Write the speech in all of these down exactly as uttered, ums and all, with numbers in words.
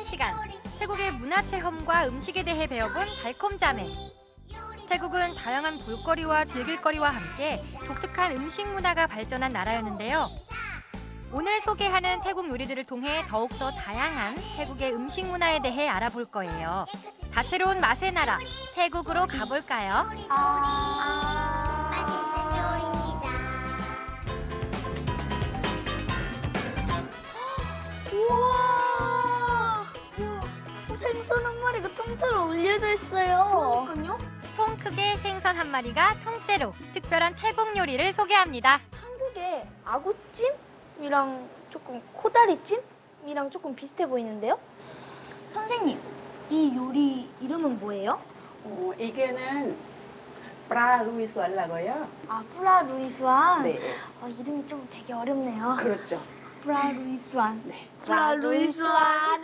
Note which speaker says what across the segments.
Speaker 1: 시간. 태국의 문화체험과 음식에 대해 배워본 달콤자매. 태국은 다양한 볼거리와 즐길거리와 함께 독특한 음식 문화가 발전한 나라였는데요. 오늘 소개하는 태국 요리들을 통해 더욱더 다양한 태국의 음식 문화에 대해 알아볼 거예요. 다채로운 맛의 나라, 태국으로 가볼까요?
Speaker 2: 우와! 생선 한 마리가 통째로 올려져 있어요.
Speaker 3: 그러니까요.
Speaker 1: 통 크게 생선 한 마리가 통째로 특별한 태국 요리를 소개합니다.
Speaker 2: 한국의 아구찜이랑 조금 코다리찜이랑 조금 비슷해 보이는데요? 선생님, 이 요리 이름은 뭐예요?
Speaker 3: 어, 이게는 브라 루이스알라고요.
Speaker 2: 아, 브라 루이스완.
Speaker 3: 네,
Speaker 2: 아, 이름이 좀 되게 어렵네요.
Speaker 3: 그렇죠.
Speaker 2: 브라 루이스완.
Speaker 3: 네,
Speaker 2: 브라 루이스완.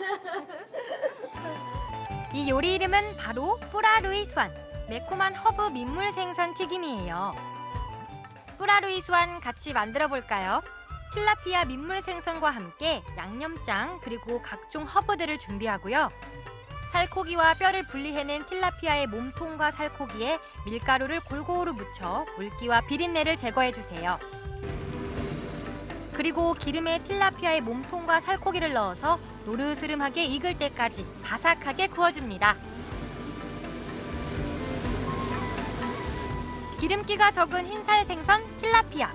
Speaker 1: 이 요리 이름은 바로 뿌라루이스완, 매콤한 허브 민물 생선 튀김이에요. 뿌라루이스완 같이 만들어 볼까요? 틸라피아 민물 생선과 함께 양념장 그리고 각종 허브들을 준비하고요. 살코기와 뼈를 분리해낸 틸라피아의 몸통과 살코기에 밀가루를 골고루 묻혀 물기와 비린내를 제거해 주세요. 그리고 기름에 틸라피아의 몸통과 살코기를 넣어서 노르스름하게 익을 때까지 바삭하게 구워줍니다. 기름기가 적은 흰살 생선 틸라피아.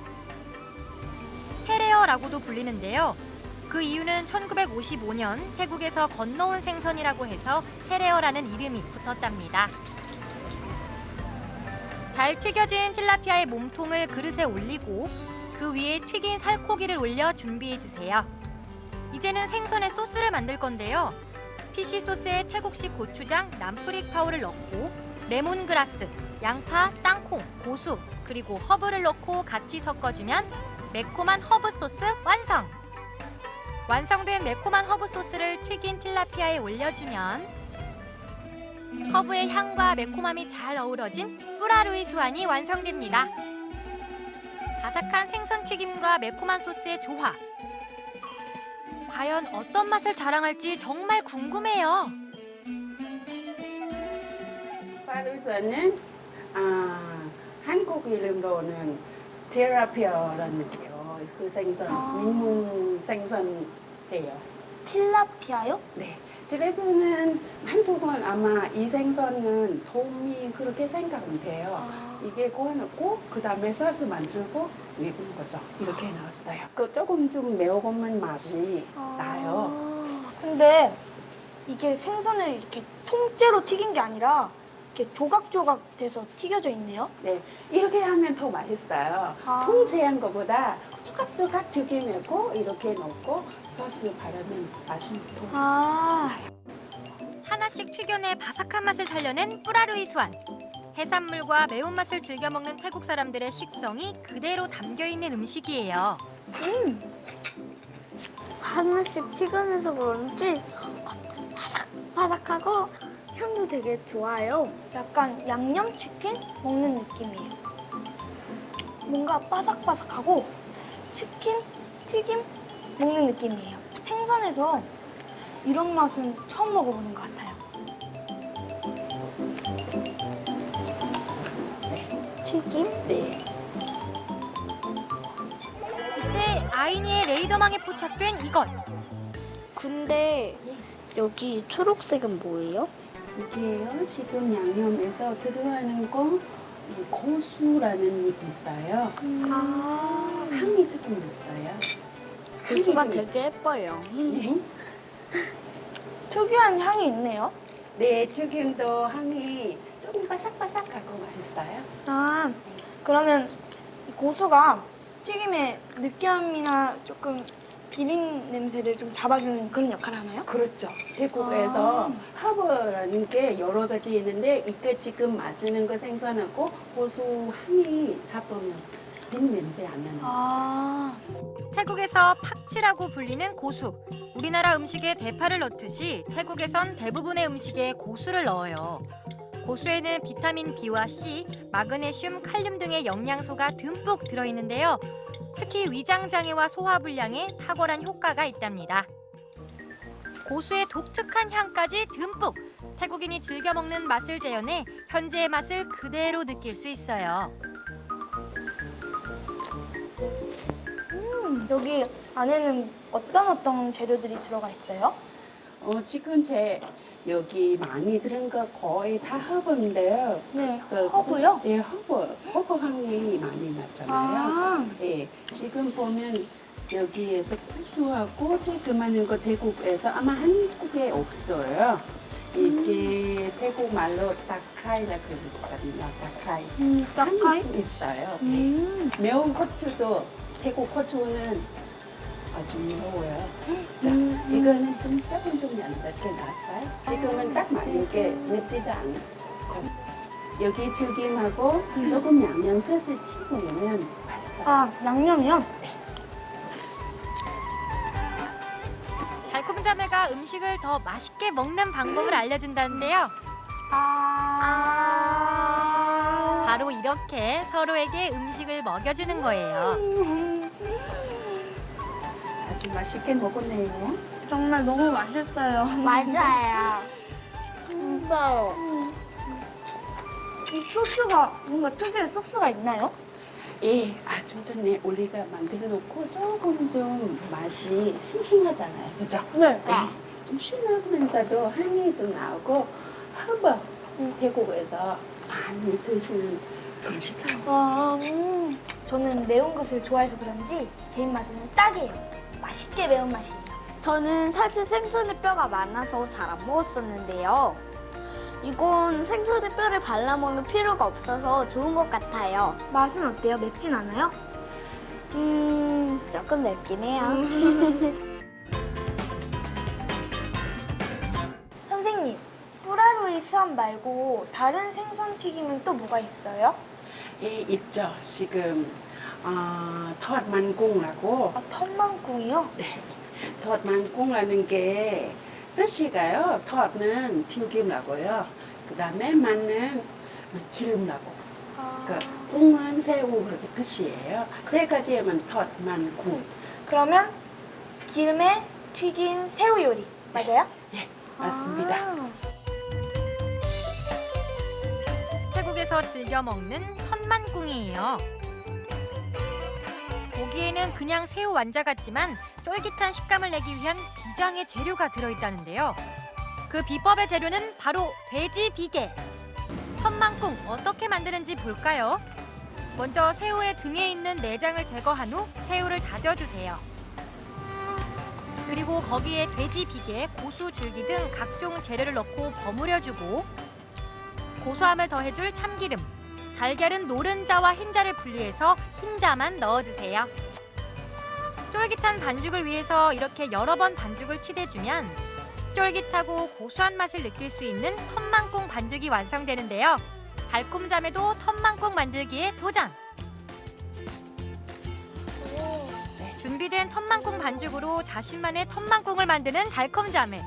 Speaker 1: 헤레어라고도 불리는데요. 그 이유는 천구백오십오 년 태국에서 건너온 생선이라고 해서 헤레어라는 이름이 붙었답니다. 잘 튀겨진 틸라피아의 몸통을 그릇에 올리고 그 위에 튀긴 살코기를 올려 준비해주세요. 이제는 생선의 소스를 만들 건데요. 피시 소스에 태국식 고추장, 남프릭 파우를 넣고 레몬그라스, 양파, 땅콩, 고수, 그리고 허브를 넣고 같이 섞어주면 매콤한 허브 소스 완성! 완성된 매콤한 허브 소스를 튀긴 틸라피아에 올려주면 허브의 향과 매콤함이 잘 어우러진 뿌라루이스완이 완성됩니다. 바삭한 생선 튀김과 매콤한 소스의 조화. 과연 어떤 맛을 자랑할지 정말 궁금해요.
Speaker 3: 브라 루이스는 아, 한국 이름으로는 테라피아라는 게요. 그 생선,
Speaker 2: 아.
Speaker 3: 민물 생선이에요.
Speaker 2: 틸라피아요?
Speaker 3: 네. 드래곤은 한국은 아마 이 생선은 도움이 그렇게 생각은 돼요.
Speaker 2: 아.
Speaker 3: 이게 구워놓고 그 다음에 소스 만들고 외우는 거죠. 이렇게 나왔어요. 그 조금 좀 매운 맛이 나요.
Speaker 2: 아. 근데 이게 생선을 이렇게 통째로 튀긴 게 아니라 이렇게 조각조각 돼서 튀겨져 있네요.
Speaker 3: 네, 이렇게 하면 더 맛있어요.
Speaker 2: 아.
Speaker 3: 통째한 것보다 조각조각 튀김하고 이렇게 넣고 소스 바르면 맛이 더.
Speaker 2: 아,
Speaker 1: 하나씩 튀겨내 바삭한 맛을 살려낸 뿌라루이스완. 해산물과 매운맛을 즐겨 먹는 태국 사람들의 식성이 그대로 담겨있는 음식이에요.
Speaker 2: 음. 하나씩 튀겨내서 그런지 바삭바삭하고 향도 되게 좋아요. 약간 양념치킨 먹는 느낌이에요. 뭔가 바삭바삭하고 치킨, 튀김 먹는 느낌이에요. 생선에서 이런 맛은 처음 먹어보는 것 같아요. 튀김?
Speaker 3: 네.
Speaker 1: 이때 아이니의 레이더망에 포착된 이것.
Speaker 2: 근데 여기 초록색은 뭐예요?
Speaker 3: 이게요, 지금 양념에서 들어가는 거, 이 고수라는 잎이 있어요.
Speaker 2: 아,
Speaker 3: 향이 조금 있어요.
Speaker 2: 고수가
Speaker 3: 향이 좀
Speaker 2: 되게 예뻐요.
Speaker 3: 네.
Speaker 2: 특유한 향이 있네요.
Speaker 3: 네, 지금도 향이 조금 바삭바삭하고 맛있어요.
Speaker 2: 아, 그러면 이 고수가 튀김의 느끼함이나 조금 비린 냄새를 좀 잡아주는 그런 역할을 하나요?
Speaker 3: 그렇죠. 태국에서 허브라는 게 여러 가지 있는데 이게 지금 맞는 거 생선하고 고수 향이 잡으면 비린 냄새 안 나는.
Speaker 2: 아,
Speaker 1: 태국에서 팍치라고 불리는 고수. 우리나라 음식에 대파를 넣듯이 태국에선 대부분의 음식에 고수를 넣어요. 고수에는 비타민 B와 C, 마그네슘, 칼륨 등의 영양소가 듬뿍 들어있는데요. 특히 위장 장애와 소화 불량에 탁월한 효과가 있답니다. 고수의 독특한 향까지 듬뿍 태국인이 즐겨 먹는 맛을 재현해 현지의 맛을 그대로 느낄 수 있어요.
Speaker 2: 음, 여기 안에는 어떤 어떤 재료들이 들어가 있어요?
Speaker 3: 어, 지금 제 여기 많이 들은 거 거의 다 허브인데요.
Speaker 2: 네,
Speaker 3: 그
Speaker 2: 허브요?
Speaker 3: 고수- 예, 허브. 허브 향이 많이 나잖아요.
Speaker 2: 아,
Speaker 3: 예, 지금 보면 여기에서 고수하고 쬐끄만 거 태국에서 아마 한국에 없어요. 이게 태국 말로 다크라이라 그러거든요. 다크라이.
Speaker 2: 음, 딱하이?
Speaker 3: 한국 있어요.
Speaker 2: 음,
Speaker 3: 매운 고추도 태국 고추는 아주 매워요. 자,
Speaker 2: 음, 음.
Speaker 3: 이거는 좀 조금 좀 얇게 나왔어요. 지금은 딱 맞게 맵지도 않고 여기 튀김하고 조금 양념 소스 찍으면 맛있어요.
Speaker 2: 아, 양념이요?
Speaker 1: 달콤 자매가 음식을 더 맛있게 먹는 방법을 알려준다는데요.
Speaker 2: 아,
Speaker 1: 바로 이렇게 서로에게 음식을 먹여주는 거예요.
Speaker 3: 아주 맛있게 먹었네요.
Speaker 2: 정말 너무 맛있어요.
Speaker 4: 맞아요. 진짜요.
Speaker 2: 이 소스가 뭔가 특유의 소스가 있나요?
Speaker 3: 예, 아, 좀 전에 우리가 만들어 놓고 조금 좀 맛이 싱싱하잖아요. 그죠?
Speaker 2: 네.
Speaker 3: 네. 좀 신나면서도 향이 좀 나오고 허브 태국에서 많이 드시는 음식이에요.
Speaker 2: 아, 음. 저는 매운 것을 좋아해서 그런지 제 입맛에는 딱이에요. 맛있게 매운 맛이에요.
Speaker 4: 저는 사실 생선의 뼈가 많아서 잘 안 먹었었는데요. 이건 생선의 뼈를 발라 먹는 필요가 없어서 좋은 것 같아요.
Speaker 2: 맛은 어때요? 맵진 않아요?
Speaker 4: 음, 조금 맵긴 해요.
Speaker 2: 선생님, 뿌라로이 수암 말고 다른 생선 튀김은 또 뭐가 있어요?
Speaker 3: 예, 있죠. 지금 어, 톳만꿍이라고
Speaker 2: 아, 텀만꿍이요?
Speaker 3: 네, 톳만꿍이라는 게 뜻이가요. 톳은 튀김이라고요. 그 다음에 만은 기름이라고.
Speaker 2: 아,
Speaker 3: 그 꿍은 새우 그렇게 뜻이에요. 세 가지에만 톳만꿍.
Speaker 2: 그러면 기름에 튀긴 새우 요리 맞아요?
Speaker 3: 예, 맞습니다.
Speaker 2: 아,
Speaker 1: 태국에서 즐겨 먹는 톳만꿍이에요. 보기에는 그냥 새우 완자 같지만 쫄깃한 식감을 내기 위한 비장의 재료가 들어있다는데요. 그 비법의 재료는 바로 돼지 비계. 톳만꿍 어떻게 만드는지 볼까요? 먼저 새우의 등에 있는 내장을 제거한 후 새우를 다져주세요. 그리고 거기에 돼지 비계, 고수 줄기 등 각종 재료를 넣고 버무려주고 고소함을 더해줄 참기름, 달걀은 노른자와 흰자를 분리해서 흰자만 넣어주세요. 쫄깃한 반죽을 위해서 이렇게 여러 번 반죽을 치대주면 쫄깃하고 고소한 맛을 느낄 수 있는 톳만꿍 반죽이 완성되는데요. 달콤 자매도 톳만꿍 만들기에 도전! 준비된 톳만꿍 반죽으로 자신만의 톳만꿍을 만드는 달콤 자매.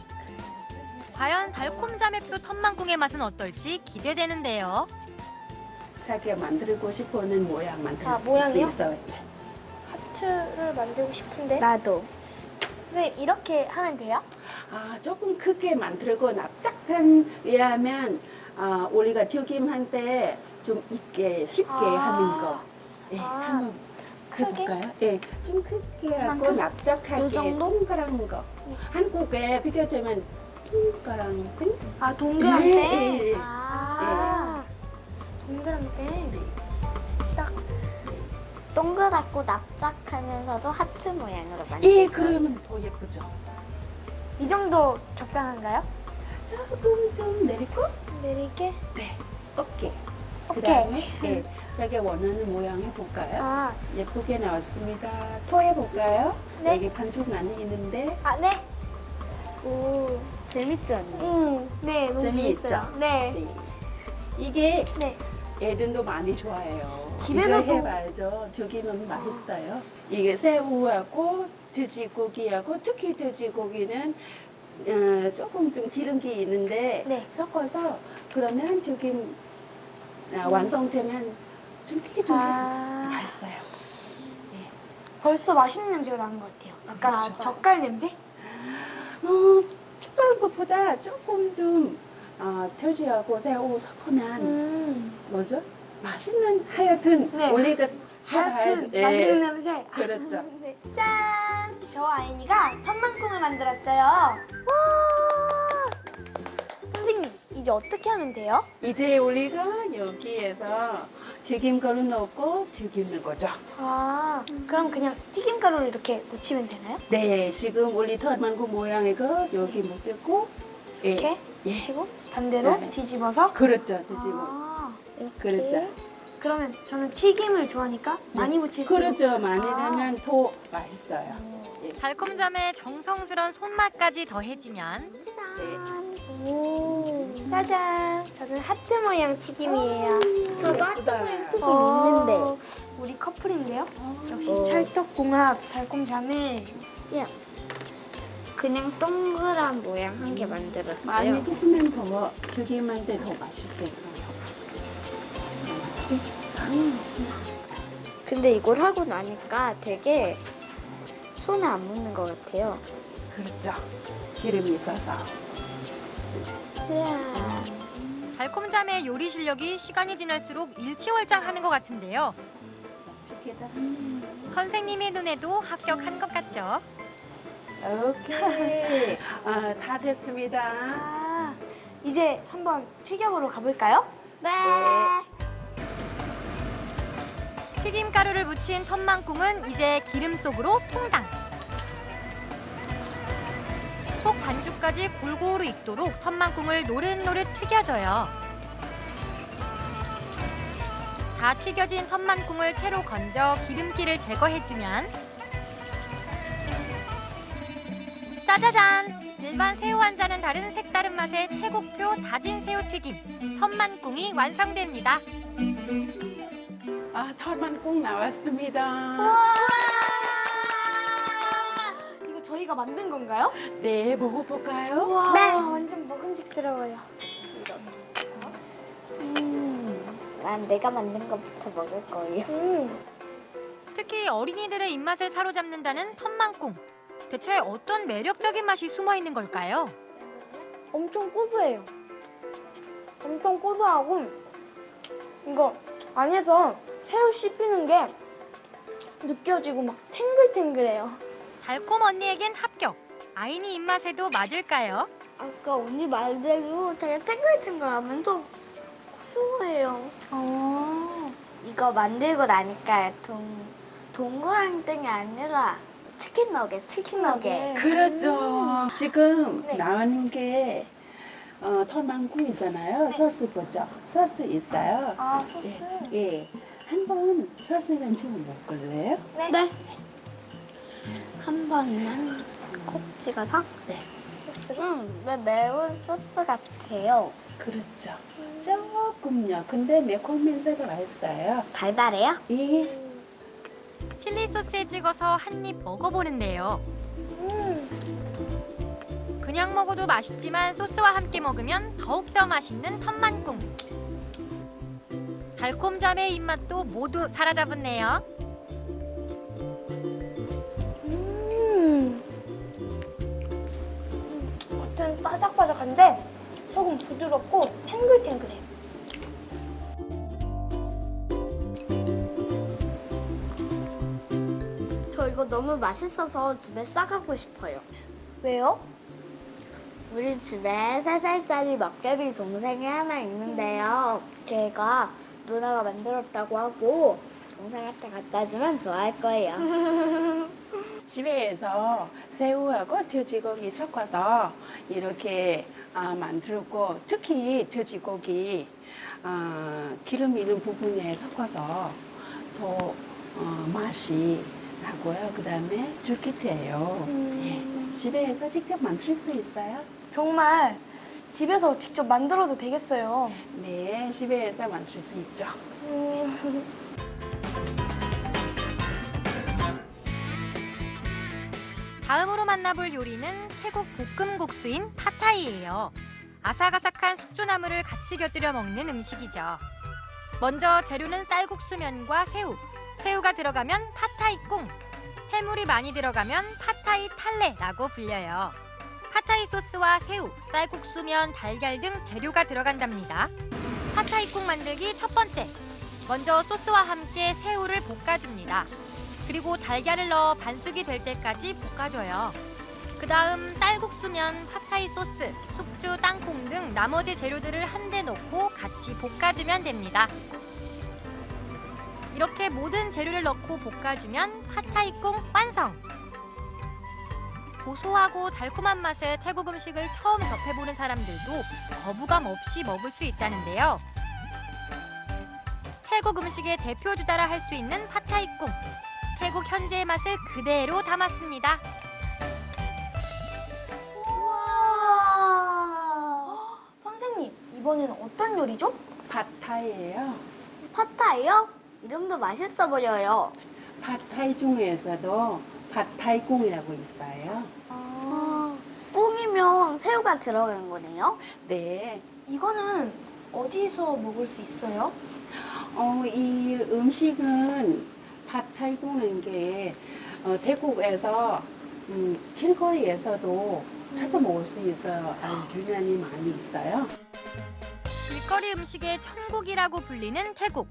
Speaker 1: 과연 달콤 자매표 톳만꿍의 맛은 어떨지 기대되는데요.
Speaker 3: 자기가 만들고 싶어하는 모양 만들
Speaker 2: 아,
Speaker 3: 수
Speaker 2: 모양이요?
Speaker 3: 있어요.
Speaker 2: 하트를 만들고 싶은데
Speaker 4: 나도.
Speaker 2: 선생님 이렇게 하면 돼요?
Speaker 3: 아, 조금 크게 만들고 납작한 왜냐하면 아, 우리가 튀김할 때 좀 있게 쉽게
Speaker 2: 아.
Speaker 3: 하는 거. 예,
Speaker 2: 아,
Speaker 3: 한번
Speaker 2: 크게?
Speaker 3: 해볼까요? 예, 좀 크게 하고
Speaker 2: 이만큼?
Speaker 3: 납작하게
Speaker 2: 요 정도?
Speaker 3: 동그란 거. 한국에 비교되면 동그란 거.
Speaker 2: 아 동그란 때?
Speaker 3: 예, 예, 예.
Speaker 2: 아 동그란 때? 딱
Speaker 4: 동그랗고 납작하면서도 하트 모양으로 만들
Speaker 3: 예, 그러면 더 예쁘죠.
Speaker 2: 이 정도 적당한가요?
Speaker 3: 조금 좀 내리고,
Speaker 2: 내리게?
Speaker 3: 네, 오케이. 그
Speaker 2: 오케이.
Speaker 3: 다음에 예, 자기 원하는 모양 해볼까요?
Speaker 2: 아,
Speaker 3: 예쁘게 나왔습니다. 토해볼까요?
Speaker 2: 네.
Speaker 3: 여기 반죽 많이 있는데
Speaker 2: 아 네.
Speaker 4: 오, 재밌지 않니?
Speaker 2: 음, 네 너무
Speaker 3: 재미있죠?
Speaker 2: 재밌어요. 네.
Speaker 3: 네. 이게
Speaker 2: 네.
Speaker 3: 애들도 많이 좋아해요.
Speaker 2: 집에서도-
Speaker 3: 이거 해봐야죠. 튀기면 맛있어요. 이게 새우하고 돼지고기하고 특히 돼지고기는 어, 조금 좀 기름기 있는데
Speaker 2: 네.
Speaker 3: 섞어서 그러면 튀김 아, 완성되면 쫄깃쫄깃
Speaker 2: 아.
Speaker 3: 맛있어요.
Speaker 2: 벌써 맛있는 냄새가 나는 것 같아요. 약간
Speaker 3: 그렇죠.
Speaker 2: 젓갈 냄새?
Speaker 3: 어, 여기다가 조금 좀 어, 돼지하고 새우 섞으면
Speaker 2: 음.
Speaker 3: 뭐죠? 맛있는 하여튼
Speaker 2: 네.
Speaker 3: 우리가
Speaker 2: 하여튼
Speaker 3: 예.
Speaker 2: 맛있는 냄새.
Speaker 3: 그렇죠.
Speaker 2: 네. 짠! 저 아이니가 텀만콩을 만들었어요. 와! 선생님, 이제 어떻게 하면 돼요?
Speaker 3: 이제 우리가 여기에서 튀김가루 넣고 튀기는 거죠.
Speaker 2: 아, 그럼 그냥 튀김가루를 이렇게 묻히면 되나요?
Speaker 3: 네, 지금 우리 털만고 모양의 거 여기 묻히고 예.
Speaker 2: 이렇게
Speaker 3: 예.
Speaker 2: 묻히고 반대로
Speaker 3: 네.
Speaker 2: 뒤집어서.
Speaker 3: 그렇죠, 뒤집어.
Speaker 2: 아, 이렇게.
Speaker 3: 그렇죠.
Speaker 2: 그러면 저는 튀김을 좋아하니까 많이 묻힐 수
Speaker 3: 그렇죠,
Speaker 2: 있어요.
Speaker 3: 많이
Speaker 2: 아.
Speaker 3: 넣으면 더 맛있어요. 예.
Speaker 1: 달콤잠에 정성스런 손맛까지 더해지면
Speaker 2: 오, 짜잔. 저는 하트 모양 튀김이에요.
Speaker 4: 저도
Speaker 3: 예쁘다.
Speaker 4: 튀김
Speaker 2: 어,
Speaker 4: 있는데.
Speaker 2: 우리 커플인데요? 역시
Speaker 3: 어.
Speaker 2: 찰떡궁합 달콤자매.
Speaker 4: 예. 그냥 동그란 모양 한 개 만들었어요.
Speaker 3: 많이 튀기면 더 튀김한데 더 맛있게.
Speaker 4: 근데 이걸 하고 나니까 되게 손에 안 묻는 것 같아요.
Speaker 3: 그렇죠. 기름이 있어서.
Speaker 4: 우와.
Speaker 1: 달콤잠의 요리 실력이 시간이 지날수록 일치월장하는 것 같은데요.
Speaker 3: 맛있겠다.
Speaker 1: 선생님의 눈에도 합격한 것 같죠?
Speaker 3: 오케이. 아, 다 됐습니다.
Speaker 2: 아, 이제 한번 튀겨보러 가볼까요?
Speaker 4: 네.
Speaker 1: 튀김가루를 묻힌 텀만꿍은 이제 기름 속으로 퐁당. 속 반죽까지 골고루 익도록 텀만꿍을 노릇노릇 튀겨줘요. 다 튀겨진 텀만꿍을 채로 건져 기름기를 제거해주면 짜자잔! 일반 새우 한자는 다른 색다른 맛의 태국표 다진 새우 튀김 텀만꿍이 완성됩니다.
Speaker 3: 아, 털만꿍 나왔습니다.
Speaker 2: 와! 이거 저희가 만든 건가요?
Speaker 3: 네, 먹어볼까요?
Speaker 2: 와,
Speaker 4: 네.
Speaker 2: 완전 먹음직스러워요.
Speaker 4: 음, 난 내가 만든 것부터 먹을 거예요.
Speaker 2: 음,
Speaker 1: 특히 어린이들의 입맛을 사로잡는다는 텀만꿍. 대체 어떤 매력적인 맛이 숨어 있는 걸까요?
Speaker 2: 엄청 고소해요. 엄청 고소하고 이거 안에서 새우 씹히는 게 느껴지고 막 탱글탱글해요.
Speaker 1: 달콤 언니에겐 합격. 아이니 입맛에도 맞을까요?
Speaker 4: 아까 언니 말대로 되게 탱글탱글하면서 고소해요.
Speaker 2: 어.
Speaker 4: 이거 만들고 나니까 동, 동그란 땡이 아니라 치킨 너겟, 치킨 너겟.
Speaker 3: 그렇죠. 지금
Speaker 2: 네.
Speaker 3: 나오는 게 어, 털만꿍 있잖아요. 소스 보죠. 소스 있어요.
Speaker 2: 아, 소스.
Speaker 3: 예, 예. 한번 소스는 지금 먹을래요?
Speaker 2: 네.
Speaker 4: 네. 한 번만 콕 찍어서.
Speaker 3: 네.
Speaker 4: 음, 왜 매운 소스 같아요?
Speaker 3: 그렇죠. 조금요. 근데 매콤면서도 맛있어요.
Speaker 4: 달달해요?
Speaker 3: 예.
Speaker 1: 칠리 소스에 찍어서 한 입 먹어보는데요.
Speaker 2: 음.
Speaker 1: 그냥 먹어도 맛있지만 소스와 함께 먹으면 더욱더 맛있는 텀만꿍. 달콤잠의 입맛도 모두 사로잡았네요.
Speaker 2: 음. 겉은 바삭바삭한데 속은 부드럽고 탱글탱글해요.
Speaker 4: 저 이거 너무 맛있어서 집에 싸가고 싶어요.
Speaker 2: 왜요?
Speaker 4: 우리 집에 세 살짜리 먹개비 동생이 하나 있는데요. 걔가 누나가 만들었다고 하고 동생한테 갖다 주면 좋아할 거예요.
Speaker 3: 집에서 새우하고 돼지고기 섞어서 이렇게 아, 만들고 특히 돼지고기 아, 기름 있는 부분에 섞어서 더 어, 맛이 나고요. 그 다음에 쫄깃해요.
Speaker 2: 음.
Speaker 3: 예. 집에서 직접 만들 수 있어요?
Speaker 2: 정말 집에서 직접 만들어도 되겠어요.
Speaker 3: 네, 집에서 만들 수 있죠.
Speaker 2: 음.
Speaker 1: 다음으로 만나볼 요리는 태국 볶음국수인 팟타이예요. 아삭아삭한 숙주나물을 같이 곁들여 먹는 음식이죠. 먼저 재료는 쌀국수면과 새우, 새우가 들어가면 팟타이 꿍, 해물이 많이 들어가면 팟타이 탈레라고 불려요. 팟타이 팟타이 소스와 새우, 쌀국수면, 달걀 등 재료가 들어간답니다. 팟타이국 만들기 첫 번째. 먼저 소스와 함께 새우를 볶아줍니다. 그리고 달걀을 넣어 반숙이 될 때까지 볶아줘요. 그 다음 쌀국수면, 팟타이 소스, 숙주, 땅콩 등 나머지 재료들을 한데 넣고 같이 볶아주면 됩니다. 이렇게 모든 재료를 넣고 볶아주면 팟타이국 완성! 고소하고 달콤한 맛의 태국 음식을 처음 접해보는 사람들도 거부감 없이 먹을 수 있다는데요. 태국 음식의 대표 주자라 할 수 있는 팟타이국. 태국 현지의 맛을 그대로 담았습니다.
Speaker 2: 우와. 선생님, 이번에는 어떤 요리죠?
Speaker 3: 팟타이예요.
Speaker 4: 팟타이요? 이름도 맛있어 보여요.
Speaker 3: 팟타이 중에서도 팟타이꿍이라고 있어요.
Speaker 4: 아, 꿍이면 새우가 들어간 거네요?
Speaker 3: 네.
Speaker 2: 이거는 어디서 먹을 수 있어요?
Speaker 3: 어, 이 음식은 팟타이꿍인 게 어, 태국에서 음, 길거리에서도 찾아 먹을 수 있어요. 아주 유난히 많이 있어요.
Speaker 1: 길거리 음식의 천국이라고 불리는 태국.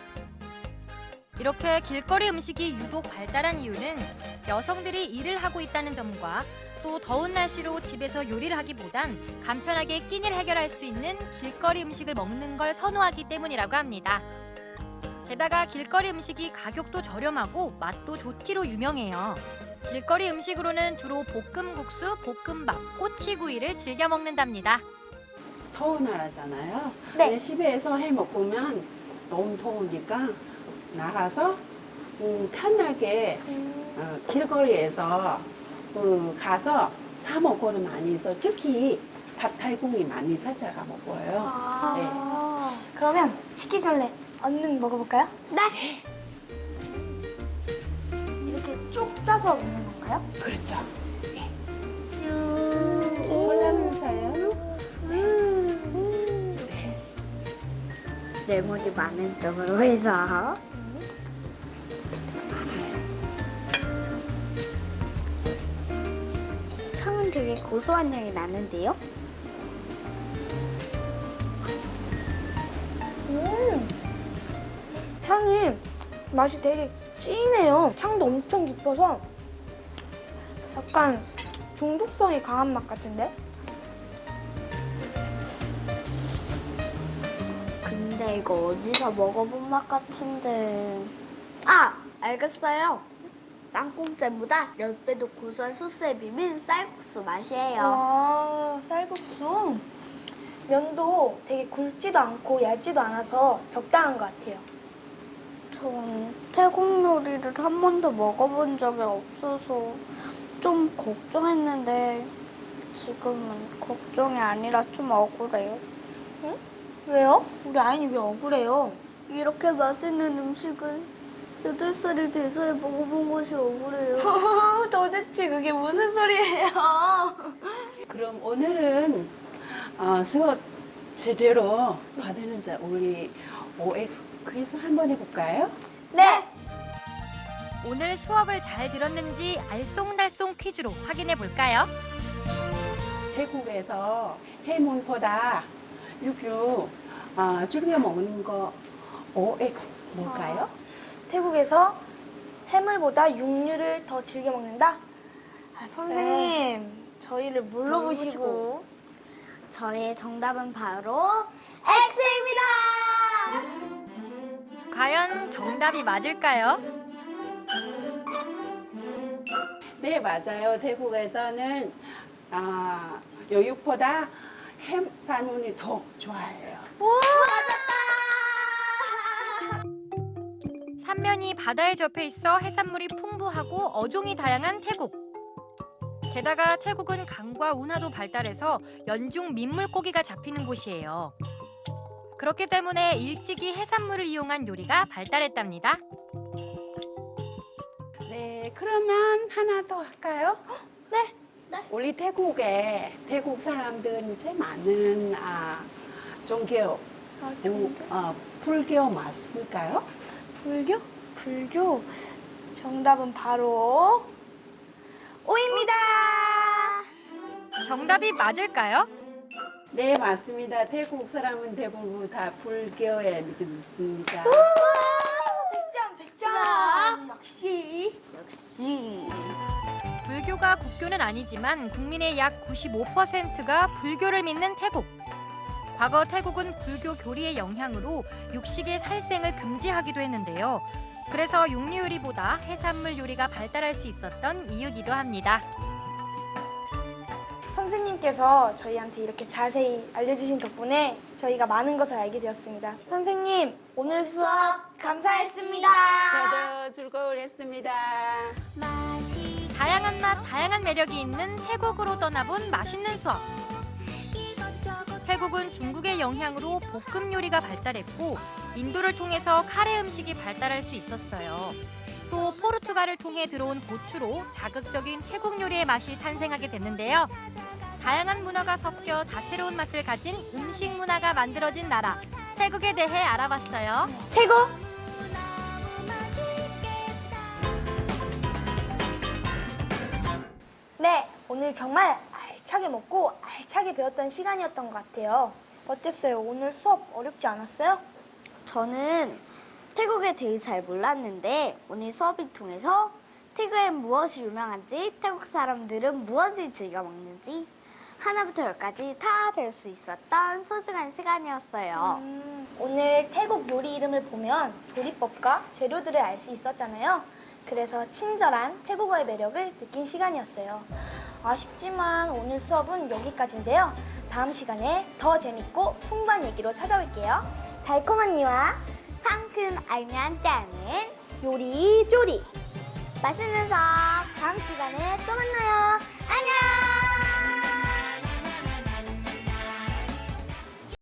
Speaker 1: 이렇게 길거리 음식이 유독 발달한 이유는 여성들이 일을 하고 있다는 점과 또 더운 날씨로 집에서 요리를 하기보단 간편하게 끼니를 해결할 수 있는 길거리 음식을 먹는 걸 선호하기 때문이라고 합니다. 게다가 길거리 음식이 가격도 저렴하고 맛도 좋기로 유명해요. 길거리 음식으로는 주로 볶음국수, 볶음밥, 꼬치구이를 즐겨 먹는답니다.
Speaker 3: 더운 나라잖아요.
Speaker 2: 네.
Speaker 3: 근데 집에서 해 먹으면 너무 더우니까 나가서 음, 편하게 어, 길거리에서 어, 가서 사 먹고는 많이 있어. 특히 팟타이꿍이 많이 찾아가 먹어요.
Speaker 2: 아, 그러면 식기 전에 얼른 먹어볼까요?
Speaker 4: 네.
Speaker 2: 이렇게 쭉 짜서 먹는 건가요?
Speaker 3: 그렇죠.
Speaker 2: 쭉.
Speaker 3: 올라면서요.
Speaker 4: 레몬이 많은 쪽으로 해서. 향은 되게 고소한 향이 나는데요?
Speaker 2: 음, 향이 맛이 되게 진해요. 향도 엄청 깊어서 약간 중독성이 강한 맛 같은데?
Speaker 4: 근데 이거 어디서 먹어본 맛 같은데. 아! 알겠어요. 땅콩잼보다 십 배도 고소한 소스에 비빈 쌀국수 맛이에요.
Speaker 2: 아, 쌀국수. 면도 되게 굵지도 않고 얇지도 않아서 적당한 것 같아요.
Speaker 4: 전 태국 요리를 한 번도 먹어본 적이 없어서 좀 걱정했는데 지금은 걱정이 아니라 좀 억울해요.
Speaker 2: 왜요? 우리 아인이 왜 억울해요?
Speaker 4: 이렇게 맛있는 음식을 여덟 살이 돼서야 먹어본 것이 억울해요.
Speaker 2: 도대체 그게 무슨 소리예요?
Speaker 3: 그럼 오늘은 어, 수업 제대로 받았는지 우리 오엑스 퀴즈 한번 해볼까요?
Speaker 2: 네!
Speaker 1: 오늘 수업을 잘 들었는지 알쏭달쏭 퀴즈로 확인해 볼까요?
Speaker 3: 태국에서 해물보다 육류 어, 즐겨 먹는 거 오엑스 뭘까요?
Speaker 2: 태국에서 해물보다 육류를 더 즐겨 먹는다? 아, 선생님, 저희를 뭘로
Speaker 4: 뭘로
Speaker 2: 보시고?
Speaker 4: 저의 정답은 바로 X입니다.
Speaker 1: 과연 정답이 맞을까요?
Speaker 3: 네, 맞아요. 태국에서는 아, 요육보다 해산물이 더 좋아해요.
Speaker 1: 삼면이 바다에 접해 있어 해산물이 풍부하고 어종이 다양한 태국. 게다가 태국은 강과 운하도 발달해서 연중 민물고기가 잡히는 곳이에요. 그렇기 때문에 일찍이 해산물을 이용한 요리가 발달했답니다.
Speaker 3: 네, 그러면 하나 더 할까요?
Speaker 2: 네.
Speaker 3: 우리 태국에 태국 사람들은 제일 많은 아, 종교,
Speaker 2: 아,
Speaker 3: 부, 어, 불교 맞을까요?
Speaker 2: 불교? 불교? 정답은 바로 오입니다.
Speaker 1: 정답이 맞을까요?
Speaker 3: 네, 맞습니다. 태국 사람은 대부분 다 불교에 믿습니다.
Speaker 2: 백 점, 백 점. 역시.
Speaker 4: 역시.
Speaker 1: 불교가 국교는 아니지만 국민의 약 구십오 퍼센트가 불교를 믿는 태국. 과거 태국은 불교 교리의 영향으로 육식의 살생을 금지하기도 했는데요. 그래서 육류 요리보다 해산물 요리가 발달할 수 있었던 이유기도 합니다.
Speaker 2: 선생님께서 저희한테 이렇게 자세히 알려주신 덕분에 저희가 많은 것을 알게 되었습니다. 선생님, 오늘 수업 감사했습니다.
Speaker 3: 저도 즐거웠습니다.
Speaker 1: 다양한 맛, 다양한 매력이 있는 태국으로 떠나본 맛있는 수업. 태국은 중국의 영향으로 볶음 요리가 발달했고 인도를 통해서 카레 음식이 발달할 수 있었어요. 또 포르투갈을 통해 들어온 고추로 자극적인 태국 요리의 맛이 탄생하게 됐는데요. 다양한 문화가 섞여 다채로운 맛을 가진 음식 문화가 만들어진 나라, 태국에 대해 알아봤어요.
Speaker 2: 최고! 네, 오늘 정말 알차게 먹고 알차게 배웠던 시간이었던 것 같아요. 어땠어요? 오늘 수업 어렵지 않았어요?
Speaker 4: 저는 태국에 대해 잘 몰랐는데 오늘 수업을 통해서 태국엔 무엇이 유명한지, 태국 사람들은 무엇을 즐겨 먹는지 하나부터 열까지 다 배울 수 있었던 소중한 시간이었어요.
Speaker 2: 음, 오늘 태국 요리 이름을 보면 조리법과 재료들을 알 수 있었잖아요. 그래서 친절한 태국어의 매력을 느낀 시간이었어요. 아쉽지만 오늘 수업은 여기까지인데요. 다음 시간에 더 재밌고 풍부한 얘기로 찾아올게요. 달콤한 이와
Speaker 4: 상큼 알면 짜는
Speaker 2: 요리 조리!
Speaker 4: 맛있는 수업
Speaker 2: 다음 시간에 또 만나요.
Speaker 4: 안녕!